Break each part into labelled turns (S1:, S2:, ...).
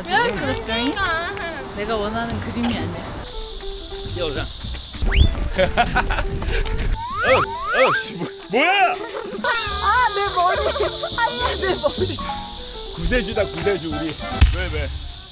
S1: 아주 시끄럽죠잉? 내가 원하는 그림이 아니야.
S2: 여자. 뭐야?
S1: 아, 내 머리. 아니야, 내 머리.
S2: 구세주다 구세주 우리. 왜?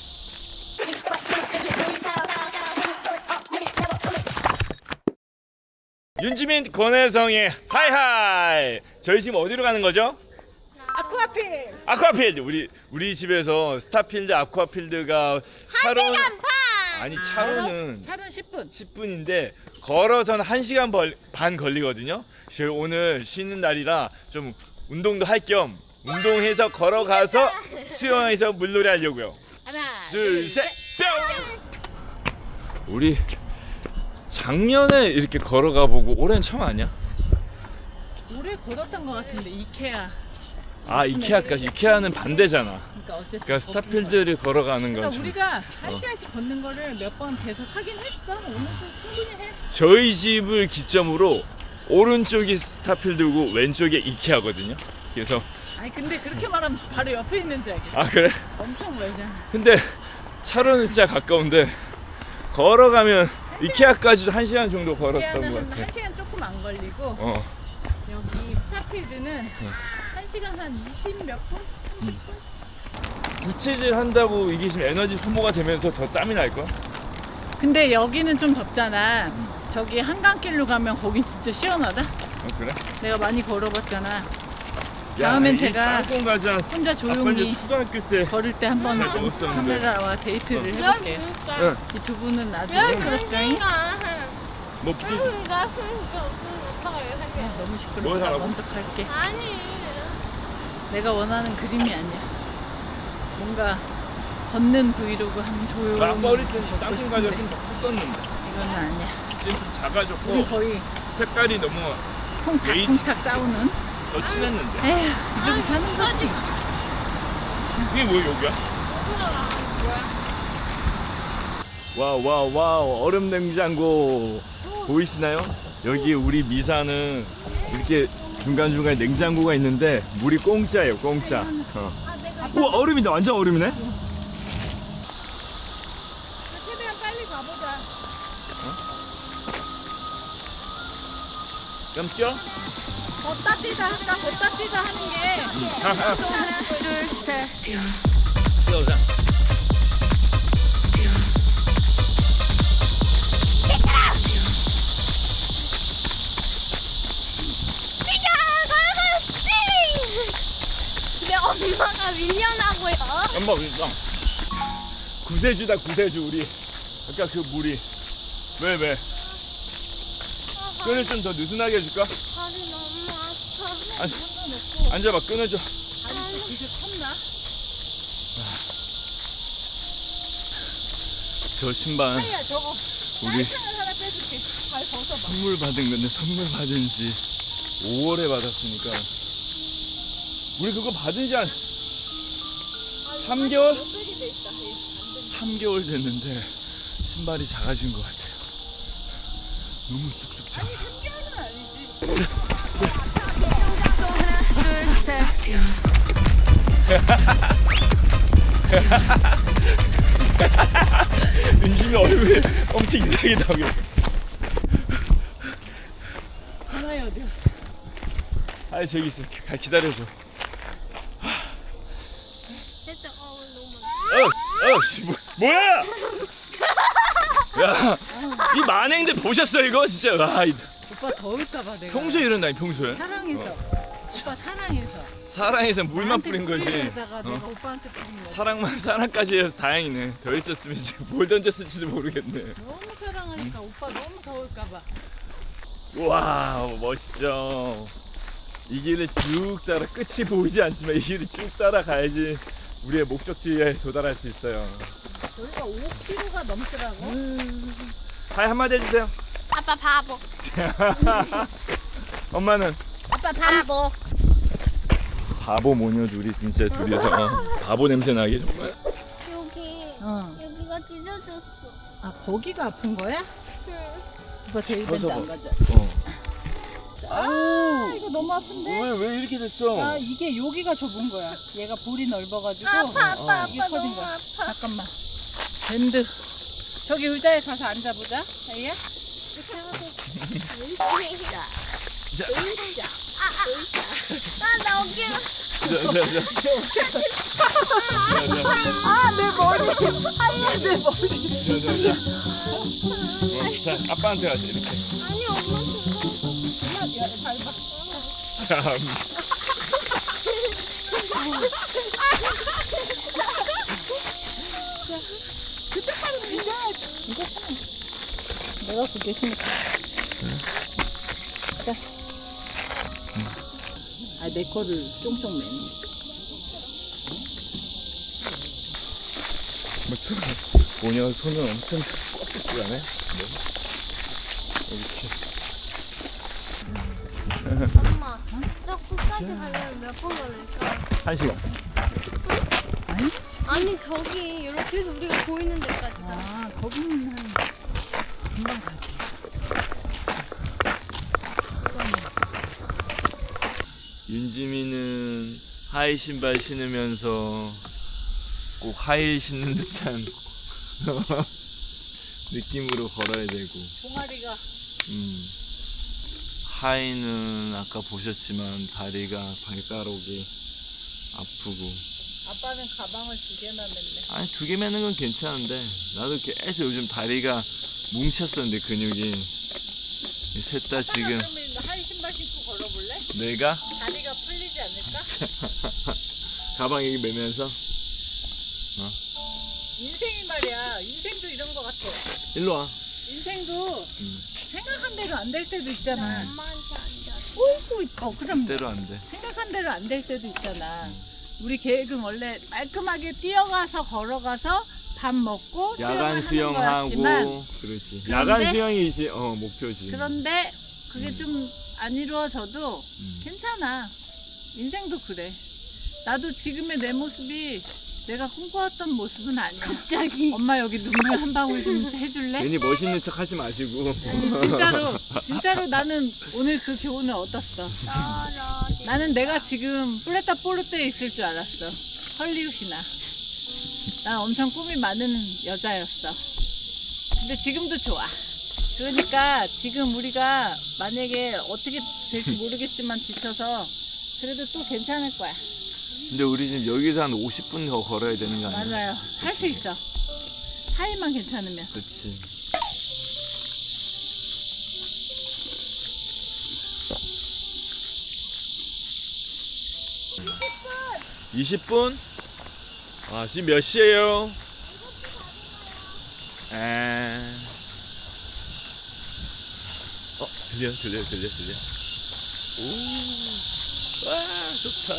S2: 윤지민 권혜성의 하이하이. 저희 지금 어디로 가는 거죠?
S1: 아쿠아필.
S2: 아쿠아필드. 우리 집에서 스타필드 아쿠아필드가 차로 아니 차로는
S1: 차는 10분.
S2: 10분인데 걸어서는 1시간 반 걸리거든요. 저희 오늘 쉬는 날이라 좀 운동도 할 겸 운동해서 걸어가서 수영해서 물놀이 하려고요.
S1: 하나,
S2: 둘, 셋, 뿅! 우리 작년에 이렇게 걸어가 보고 올해는 처음 아니야?
S1: 올해 걸었던 것 같은데 이케아.
S2: 아 이케아까지. 이케아는 반대잖아.
S1: 그러니까 어쨌든.
S2: 그러니까 스타필드를 걸어가는
S1: 그러니까
S2: 건 참.
S1: 우리가 1시간씩 걷는 거를 몇 번 계속 하긴 했어. 오늘도 충분히 해.
S2: 저희 집을 기점으로 오른쪽이 스타필드고 왼쪽이 이케아거든요. 그래서
S1: 아니 근데 그렇게 말하면 바로 옆에 있는 줄 알겠어.
S2: 아 그래?
S1: 엄청 멀잖아.
S2: 근데 차로는 진짜 가까운데 걸어가면 이케아까지도 1시간 정도 걸었던
S1: 이케아는
S2: 것
S1: 한
S2: 같아.
S1: 1시간 조금 안 걸리고 여기 스타필드는 1시간 한 20 몇 분? 30분?
S2: 부채질 한다고 이게 지금 에너지 소모가 되면서 더 땀이 날걸?
S1: 근데 여기는 좀 덥잖아. 저기 한강길로 가면 거긴 진짜 시원하다.
S2: 그래?
S1: 내가 많이 걸어봤잖아. 다음엔 제가
S2: 땅콩 과자
S1: 혼자
S2: 아빠
S1: 조용히
S2: 이제 초등학교 때
S1: 걸을 때 한번
S2: 잘 먹었었는데.
S1: 카메라와 데이트를 해볼게요.
S2: 응.
S1: 이 두 분은 아주 시끄럽죠잉?
S2: 뭐
S1: 너무
S2: 뭘
S1: 시끄럽다.
S2: 하라고?
S1: 먼저 갈게.
S3: 아니
S1: 내가 원하는 그림이 아니야. 뭔가 걷는 브이로그 하면 조용히
S2: 아빠 어릴 때
S1: 걷고
S2: 땅콩 과자
S1: 싶은데
S2: 좀 컸었는데
S1: 이거는 아니야.
S2: 지금 좀
S1: 우리
S2: 작아졌고
S1: 거의
S2: 색깔이 너무 베이지.
S1: 쿵탁쿵탁 싸우는.
S2: 더 진했는데.
S1: 에휴, 이렇게 사는 거지.
S2: 이게 뭐야 여기야? 와우 얼음 냉장고 보이시나요? 여기 우리 미사는 이렇게 중간중간에 냉장고가 있는데 물이 공짜예요 공짜. 우와 얼음이다 완전 얼음이네.
S1: 최대한 빨리 가보자.
S2: 깜짝?
S1: 걷다 뛰자 하니까 걷다 뛰자 하는 게. 하나, 둘, 셋.
S2: 뛰어오자.
S3: 근데 엄마가 밀려나고요.
S2: 엄마 그러니까 구세주다 구세주 우리. 아까 그 물이 왜? 끈을 좀 더 느슨하게 해줄까?
S3: 발이 너무 아파.
S2: 앉아봐 끈을 좀.
S1: 이게 컸나?
S2: 저 신발
S1: 야 저거.
S2: 우리
S1: 하나 빼줄게. 발 벗어봐.
S2: 선물 받은 건데 선물 받은 지 5월에 받았으니까 우리 그거 받은 지 한 3개월? 3개월 됐는데 신발이 작아진 것 같아요. 너무 쑥쑥 작아. 윤심이 얼굴이 엄청 이상하게 나오게.
S1: 하나에 어디였어?
S2: 아 저기 있어. 기다려줘.
S3: 진짜 너무.
S2: 뭐야? 야, 이 만행들 보셨어 이거 진짜. 와,
S1: 오빠 더울까봐 내가.
S2: 평소에 이런다니 평소에.
S1: 사랑해서. 오빠 사랑해서.
S2: 사랑해서 물만 뿌린 거지.
S1: 뿌리려다가 내가 오빠한테 뿌린 거야.
S2: 사랑까지 해서 다행이네. 더 있었으면 이제 뭘 던졌을지도 모르겠네.
S1: 너무 사랑하니까 오빠 너무 더울까봐.
S2: 와 멋있죠. 이 길을 쭉 따라 끝이 보이지 않지만 이 길을 쭉 따라가야지 우리의 목적지에 도달할 수 있어요.
S1: 여기가 5km가 넘더라고.
S2: 하이 한마디 해주세요.
S3: 아빠 바보.
S2: 엄마는
S3: 아빠 바보.
S2: 바보 모녀 둘이 진짜 둘이서 바보 냄새 나게 정말.
S3: 여기가 찢어졌어.
S1: 아 거기가 아픈 거야?
S3: 응.
S1: 오빠 데이밴드
S2: 서서
S1: 안 가져. 아, 이거 너무 아픈데?
S2: 왜 이렇게 됐어?
S1: 아, 이게 여기가 좁은 거야. 얘가 볼이 넓어가지고.
S3: 아빠
S1: 이게 커진
S3: 너무
S1: 거야.
S3: 아파.
S1: 잠깐만. 밴드. 저기 의자에 가서 앉아보자. 아이야?
S3: 나 어깨가.
S1: 아, 내 머리. 아이야, 내 머리.
S2: 자, 아빠한테 가자 이렇게.
S3: 아니 엄마
S1: 엄마, 야, 밟아.
S2: 참.
S1: 그때 바로 이거. 이거 참. 내가 그게 힘들어. 자. 아, 내 거를 쫑쫑 매는.
S2: 뭐냐, 손은 엄청 꽉 들어가네.
S3: 엄마 저 끝까지 가려면 몇 번 걸릴까?
S2: 1시간.
S1: 아니?
S3: 아니 저기 이렇게 해서 우리가 보이는 데까지 가.
S1: 아, 거기는 한 금방 가지.
S2: 윤지민은 하이 신발 신으면서 꼭 하이 신는 듯한 느낌으로 걸어야 되고,
S1: 종아리가
S2: 하이는 아까 보셨지만 다리가 발가락이 아프고.
S1: 아빠는 가방을 2개나 맸네.
S2: 아니 2개 매는 건 괜찮은데 나도 계속 요즘 다리가 뭉쳤었는데 근육이 셋 다 지금.
S1: 그러면 하이 신발 신고 걸어볼래?
S2: 내가
S1: 다리가 풀리지 않을까?
S2: 가방 이렇게 매면서
S1: 인생이 말이야. 인생도 이런 거 같아.
S2: 일로 와.
S1: 인생도 생각한 대로 안 될 때도 있잖아.
S3: 엄마한테 앉아.
S1: 어이구, 그럼
S2: 때로 안 돼.
S1: 생각한 대로 안 될 때도 있잖아. 우리 계획은 원래 말끔하게 뛰어가서 걸어가서 밥 먹고
S2: 야간
S1: 수영하는
S2: 수영하고.
S1: 거였지만
S2: 그렇지.
S1: 그런데-
S2: 야간 수영이 이제 목표지.
S1: 그런데 그게 좀 안 이루어져도
S2: 음.
S1: 괜찮아. 인생도 그래. 나도 지금의 내 모습이 내가 꿈꿔왔던 모습은 아니야.
S3: 갑자기.
S1: 엄마 여기 눈물 한 방울 좀 해줄래?
S2: 괜히 멋있는 척 하지 마시고.
S1: 진짜로 나는 오늘 그 교훈을 얻었어. 나는 내가 지금 플레타 포르테에 있을 줄 알았어. 헐리우드나. 난 엄청 꿈이 많은 여자였어. 근데 지금도 좋아. 그러니까 지금 우리가 만약에 어떻게 될지 모르겠지만 지쳐서 그래도 또 괜찮을 거야.
S2: 근데 우리 지금 여기서 한 50분 더 걸어야 되는 거 아니야?
S1: 맞아요. 할 수 있어. 하이만 괜찮으면.
S2: 그렇지. 분 20분? 아, 지금 몇 시에요? 들려. 오, 와, 좋다.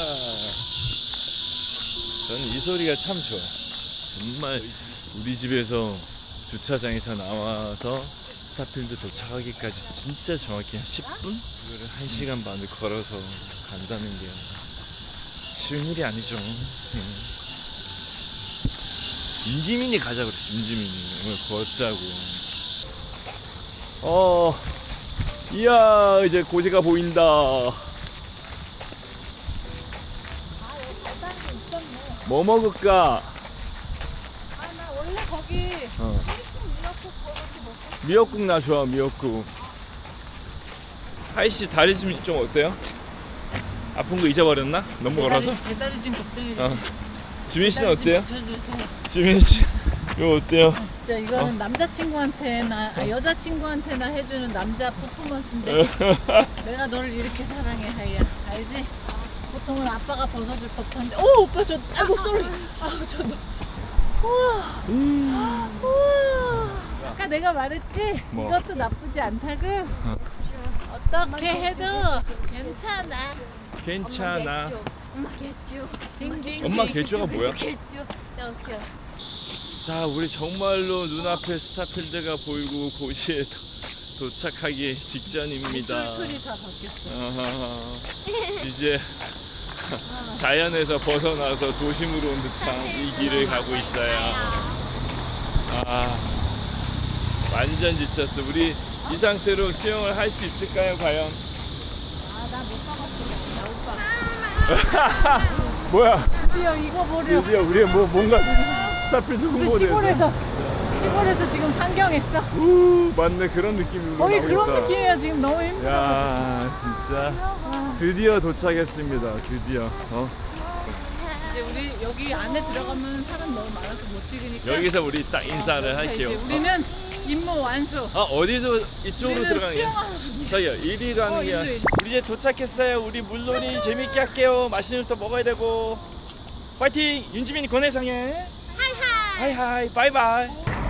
S2: 저는 이 소리가 참 좋아. 정말 우리 집에서 주차장에서 나와서 스타필드 도착하기까지 진짜 정확히 한 10분? 그거를 1시간 반을 걸어서 간다는 게 쉬운 일이 아니죠. 윤지민이 가자 그랬어. 윤지민이 오늘 걷자고. 이야, 이제 고지가 보인다. 뭐 먹을까?
S1: 아, 나 원래 거기
S2: 미역국 나 좋아. 미역국. 하이씨 다리 좀 어때요? 아픈 거 잊어버렸나? 너무 걸어서?
S1: 제 다리 좀 걱정해 주세요.
S2: 지민 씨는 어때요?
S1: 붙여주세요.
S2: 지민 씨 이거 어때요?
S1: 아, 진짜 이거는 남자친구한테나 여자친구한테나 해주는 남자 퍼포먼스인데 내가 너를 이렇게 사랑해 하이야. 알지? 보통은 아빠가 벗어줄 법한데 오 오빠 저 아이고 쏘리 저도 우와 우와 아까 내가 말했지?
S2: 뭐?
S1: 이것도 나쁘지 않다고 어떻게 해도 괜찮아.
S2: 괜찮아.
S3: 엄마 개쭈.
S1: 딩딩
S2: 엄마 개주가 뭐야?
S3: 개쭈. 내가 어떻게 알아?
S2: 자, 우리 정말로 눈앞에 스타필드가 보이고 고시에 도착하기 직전입니다.
S1: 툴툴이 다 바뀌었어.
S2: 아하, 이제 자연에서 벗어나서 도심으로 온 듯한 이 길을 가고 있어요. 아, 완전 지쳤어. 우리 이 상태로 수영을 할 수 있을까요, 과연? 뭐야?
S1: 드디어 이거 보려.
S2: 드디어 우리 뭔가 스타필드 홍보대에서
S1: 시골에서 지금 상경했어.
S2: 맞네 그런 느낌으로
S1: 거의
S2: 나오겠다.
S1: 그런 느낌이야 지금 너무 힘들어.
S2: 야 진짜 드디어 도착했습니다. 드디어
S1: 이제 우리 여기 안에 들어가면 사람 너무 많아서 못 찍으니까.
S2: 여기서 우리 딱 인사를 할게요.
S1: 이제 우리는 임무 완수.
S2: 어디서 이쪽으로
S1: 우리는
S2: 들어가는 게?
S1: 수영하는
S2: 저기요 이리로 하는 게
S1: 일로.
S2: 우리 이제 도착했어요. 우리 물놀이 재밌게 할게요. 맛있는 것도 먹어야 되고 파이팅! 윤지민이 권혜상해 하이하이 하이하이 바이바이.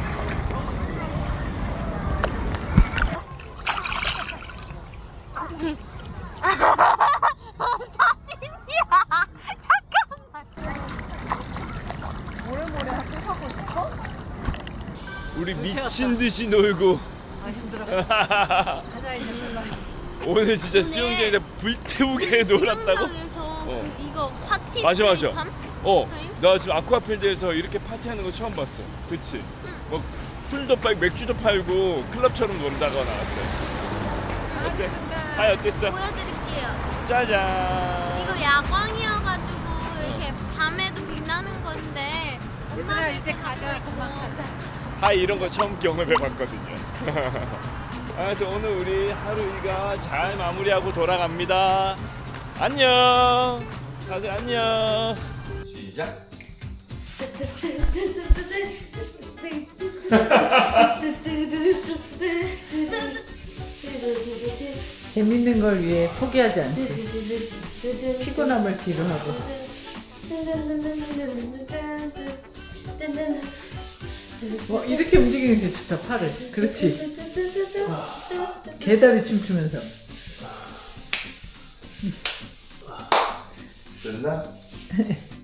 S1: 모래모래 하고 싶어?
S2: 우리 미친 듯이 놀고
S1: 아 힘들어. 가자 이제 설마.
S2: 오늘 진짜 수영장에서 불태우게 놀았다고?
S3: 수영장에서 이거 파티
S2: 맞아.
S3: 밤?
S2: 나 지금 아쿠아필드에서 이렇게 파티하는 거 처음 봤어. 그치? 뭐 술도 팔고 맥주도 팔고 클럽처럼 놀다가 나왔어요. 어때? 하이 어땠어?
S3: 보여드릴게요.
S2: 짜잔.
S3: 이거 야광이어가지고 이렇게 밤에도 빛나는 건데
S1: 얘들아 이제 가자. 그만 가자.
S2: 하이 이런 거 처음 경험해봤거든요. 아무튼 오늘 우리 하루 일과 잘 마무리하고 돌아갑니다. 안녕. 다들 안녕. 시작.
S1: 재밌는 걸 위해 포기하지 않지. 피곤함을 뒤로 하고. 이렇게 움직이는 게 좋다. 팔을. 그렇지. 개다리 춤추면서.
S2: 됐나?